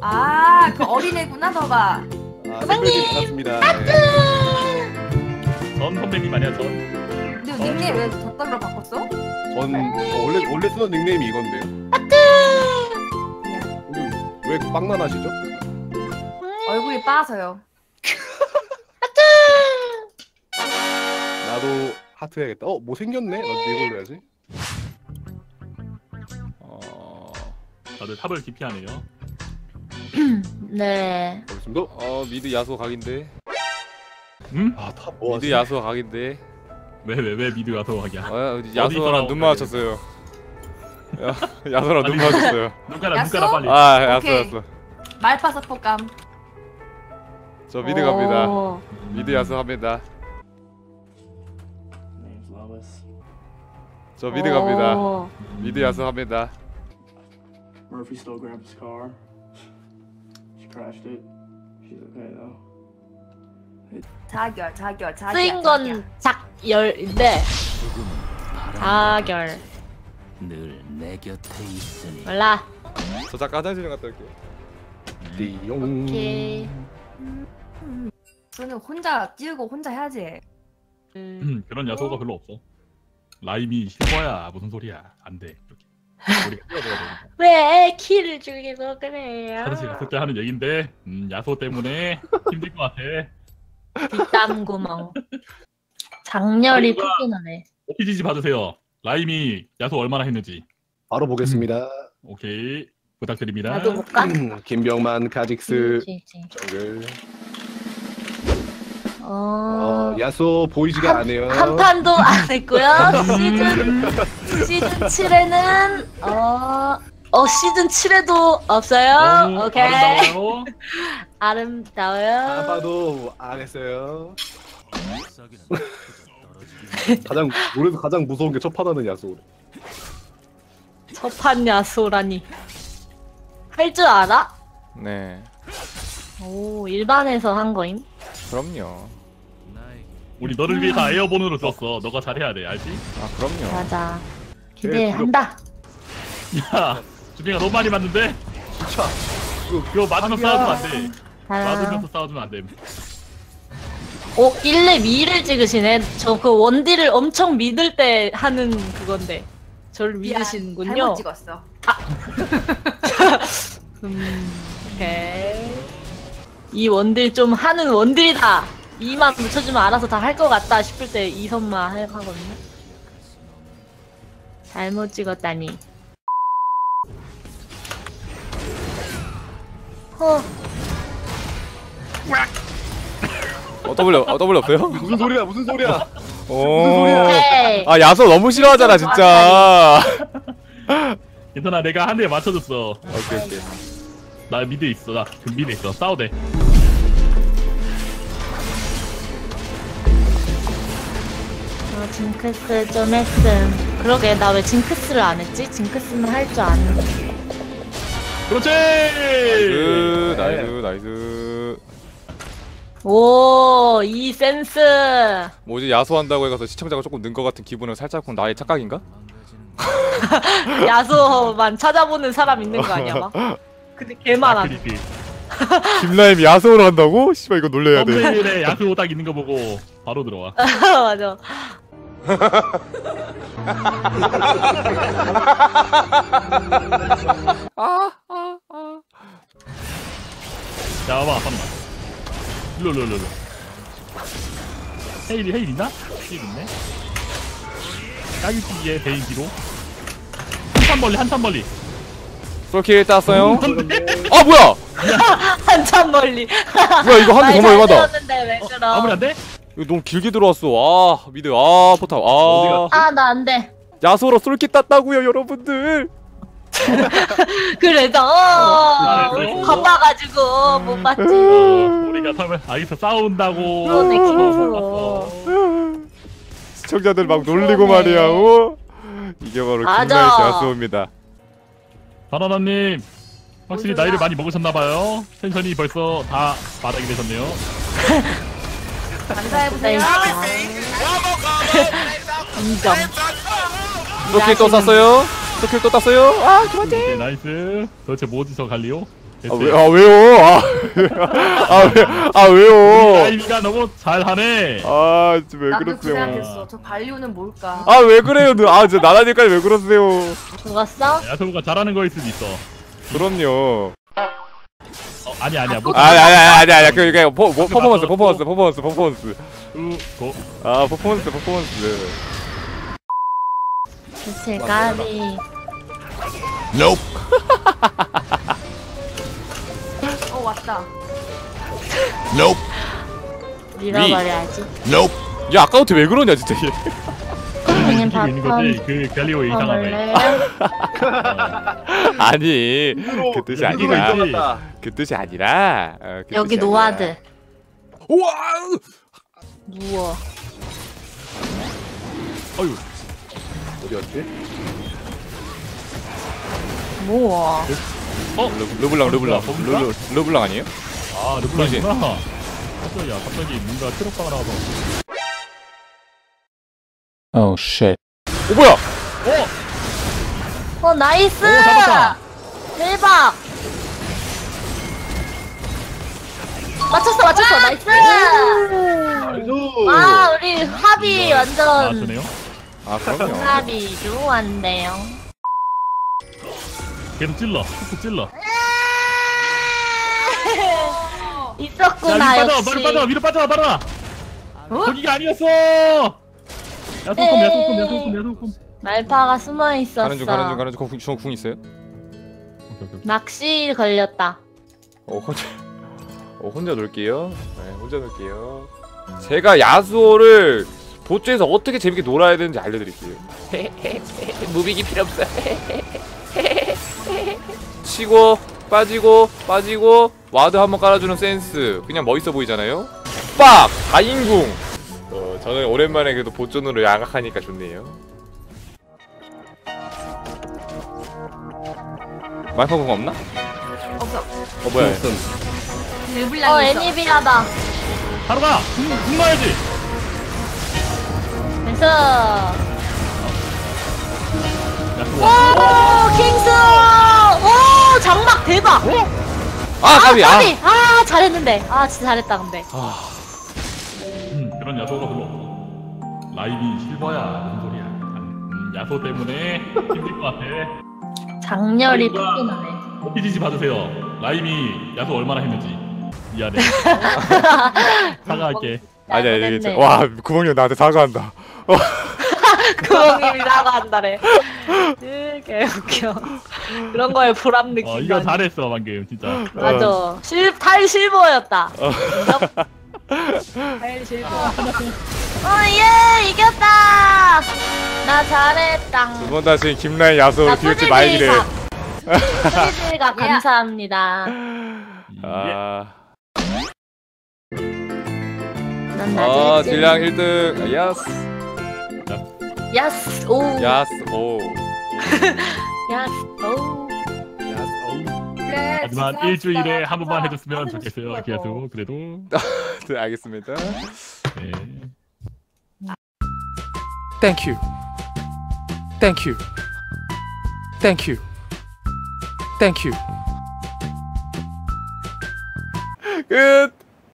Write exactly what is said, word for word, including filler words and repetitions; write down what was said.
아, 그 어린애구나, 너가. 아, 선배님 반갑습니다. 네. 전 선배님 아니야 전. 근데 닉네임 왜 덧글로 바꿨어? 전 어, 원래 원래 쓰던 닉네임이 이건데요. 근데 왜 빵만하시죠? 얼굴이 빠서요. 나도 하트 해야겠다. 어, 뭐 생겼네? 나도 이걸로 해야지. 어 다들 탑을 기피하네요. 네. 알겠습니다. 어 미드 야수 각인데. 응? 아, 탑 뭐 미드 야수 각인데. 왜 왜 왜 미드 가서 하기야? 어, 있더라, 야수랑 눈 마주쳤어요. 야, 야수랑 눈 아니, 마주쳤어요. 눈가라 야수? 눈가라 빨리. 아 야수 오케이. 야수. 말파서 폭감. 저 미드 갑니다. 오. 미드 야수 합니다. 저 미드 갑니다. 오. 미드 야수 합니다. Murphy still grabbed his car. She crashed it. She's okay though. 자결, 자결, 자결. 쓰인 건 작열인데 자결 늘 내 곁에 있으니 몰라. 저 잠깐 화장실 좀 갔다 올게요. 띠용. 오케이. 저는 혼자 띄우고 혼자 해야지. 음. 음, 그런 야소가 별로 없어. 라임이 실버야 무슨 소리야? 안 돼. 이렇게. 우리가 뛰어들어야 돼. 왜 키를 죽이고 그래요? 화장실 갔을 때 하는 얘긴데 음, 야소 때문에 힘들 것 같아. 뒷담 구멍. 장렬이 아니, 뭐야. 크게 나네. 오피지지 받으세요. 라임이 야소 얼마나 했는지. 바로 보겠습니다. 오케이 부탁드립니다. 나도 볼까? 김병만 카직스 그치, 그치. 정글. 어... 어, 야수 보이지가 않아요. 한 판도 안 했고요. 시즌 시즌 칠에는 어, 어 시즌 칠에도 없어요. 너무 오케이. 아름다워요. 아름다워요. 아빠도 안 했어요. 썩이는 떨어지기 가장 노래에서 가장 무서운 게 첫 판하는 야수. 첫판 야소라니. 할 줄 알아? 네. 오 일반에서 한 거임? 그럼요. 나에게 우리 너를 위해서 에어본으로 썼어. 너가 잘해야 돼, 알지? 아 그럼요. 맞아. 기대한다. 야, 주빈이가 너무 많이 맞는데? 진짜. 그거 맞으면 싸워주면 안 돼. 아, 맞으면서 싸워주면 안 돼. 오 일 렙 이 를 찍으시네. 저 그 원딜을 엄청 믿을 때 하는 그건데. 저를 믿으시는군요. 잘못 찍었어. 음, 오케이. 이 원딜 좀 하는 원딜이다. 이만 붙여주면 알아서 다 할 것 같다 싶을 때 이선만 해- 하거든요. 잘못 찍었다니. 어, 어 W 어 W 없어요? 무슨 소리야? 무슨 소리야? 오. 오케이. 아 야수 너무 싫어하잖아 진짜. 괜찮아, 내가 한 대 맞춰줬어. 오케이 오케이. 나 미드 있어, 나 그 미드 있어. 싸워대. 어, 징크스 좀 했음. 그러게, 나 왜 징크스를 안 했지? 징크스는 할 줄 아는데. 그렇지! 나이스 나이스 나이스. 오, 이 센스. 뭐지 야수한다고 해서 시청자가 조금 는 것 같은 기분은 살짝 나의 착각인가? 야수만 찾아보는 사람 있는 거 아니야, 막? 근데 개 많아. 크리피. 김라임이 야수로 한다고? 씨발 이거 놀래야 돼. 썸네일에 야수 딱 있는 거 보고 바로 들어와. 맞아. 자, 봐봐, 잠깐만. 일로, 일로, 일로. 일로. 헤일, 헤일 있나? 헤일 있네. 까기치기에 베인 뒤로. 한참 멀리, 한참 멀리. 솔킬 땄어요? 근데? 아 뭐야? 한참 멀리. 뭐야 이거 한대 정말 얼마다? 들었는데 왜 그럼? 아무리 안 돼? 이거 너무 길게 들어왔어. 아 미드 아 포탑 아 어디가? 아, 나 안 돼. 야수로 솔킬 땄다고요 여러분들. 그래서 아, 어, 그래서? 겁나가지고 못 봤지. 어, 우리가 설마 아기서 싸운다고. 그러네, 어, 그래서. 시청자들 막 무서워네. 놀리고 말이야. 어? 이게 바로 맞아. 김라임 야수입니다. 바나나님, 확실히 뭔 소리야? 나이를 많이 먹으셨나봐요. 텐션이 벌써 다 바닥이 되셨네요. 감사해보세요. 인정. 솔킬 또 땄어요? 솔킬 또 땄어요? 아 그만. 네, 나이스. 도대체 뭐 어디서 갈리오? 아, 왜, 아 왜요? 아, 아, 왜, 아 왜요? 라이미가 너무 잘하네. 아, 진짜 왜 나도 그 그러세요? 생각했어. 저 발리오는 뭘까? 아, 왜 그래요? 아, 진짜 나나니까 왜 그러세요? 죽었어? 야소가 잘하는 거일 수도 있어. 그럼요. 어, 아니 아니야. 뭐, 아니, 아니, 아니, 아니, 그, 그, 퍼, 뭐, 퍼포먼스, 퍼포먼스, 퍼포먼스, 퍼포먼스. 우, 고. 아, 퍼포먼스, 퍼포먼스. 대체 까비. 어 왔다. 밀어버려야지. 야, 아까부터 왜 그러냐, 진짜. 얘. 그냥 이기고 있는 거지. 그 갈리오 이상하네. 아니, 그 뜻이 누가 아니라. 인정한다. 그 뜻이 아니라. 어, 그 여기 뜻이 노아드. 아니라. 우와! 누워. 어유. 어디였지? 뭐? 르, 르블랑, 르블랑. 르블랑? 르, 르블랑 아니에요? 아, 르블랑이구나. 갑자기 갑자기 뭔가 트럭바가 나와서. 오, 쉣. 오, 뭐야? 어 나이스. 오, 잡았다. 대박. 맞췄어 맞췄어 나이스. 아이고. 아 우리 합이 완전 나왔네요. 아, 그럼요. 합이 좋았네요. 계속 찔러. 툭툭 찔러. 야, 위로 있었구나 빠져. 역시. 바로 빠져. 위로 빠져. 바로. 어? 거기가 아니었어. 야소콤, 야소콤, 야소콤, 야소콤. 말파가 숨어 있었어. 가는 중, 가는 중, 가는 중. 궁, 중, 궁 있어요? 오케이, 오케이. 낚시 걸렸다. 어, 혼자. 어, 혼자 놀게요. 네, 혼자 놀게요. 제가 야수호를 보조에서 어떻게 재밌게 놀아야 되는지 알려드릴게요. 무비기 필요 없어. 치고 빠지고 빠지고 와드 한번 깔아주는 센스. 그냥 멋있어 보이잖아요. 빡! 다인궁. 어, 저는 오랜만에 그래도 보존으로 양악하니까 좋네요. 말파궁 없나? 없어. 어 뭐야? 르블랑 어 있어. 애니비하다. 바로 가. 궁, 궁 넣어야지. 그래서 야소 오 와. 킹스. 오 장막 대박. 아 까비. 아. 까비. 아 잘했는데. 아 진짜 잘했다 근데. 아. 음, 그런 야소가 별로 없어. 라이비 실버야. 무슨 소리야. 음, 야소 때문에 힘들 것 같아. 장렬히 아이고야. 크게 나네. 오피지지 받으세요. 라임이 야소 얼마나 했는지. 미안해. 사과할게. 아니 아니 이게 됐네. 진짜- 와 구멍이 나한테 사과한다. 구멍님이 사과한다래. 되게 웃겨. 그런 거에 보람 느낀다. 어 이거 잘했어 방금 진짜. 맞아. 실, 탈 실버였다. 인정? 탈 실버. 어예 이겼다. 나 잘했다. 두 번 다시 김라인 야수로 기울지 말기를. 프리즈가 감사합니다. 아. 넌 아 나중에 딜량 일 등. 야스. 야스 오 야스 오. 야스 오 그래. 하지만 진짜 일주일에 한 번만 진짜 해줬으면 하고 좋겠어요. 싶어서. 기아도 그래도. 네 알겠습니다. 네. Thank you. Thank you. Thank you. Thank you. 끝.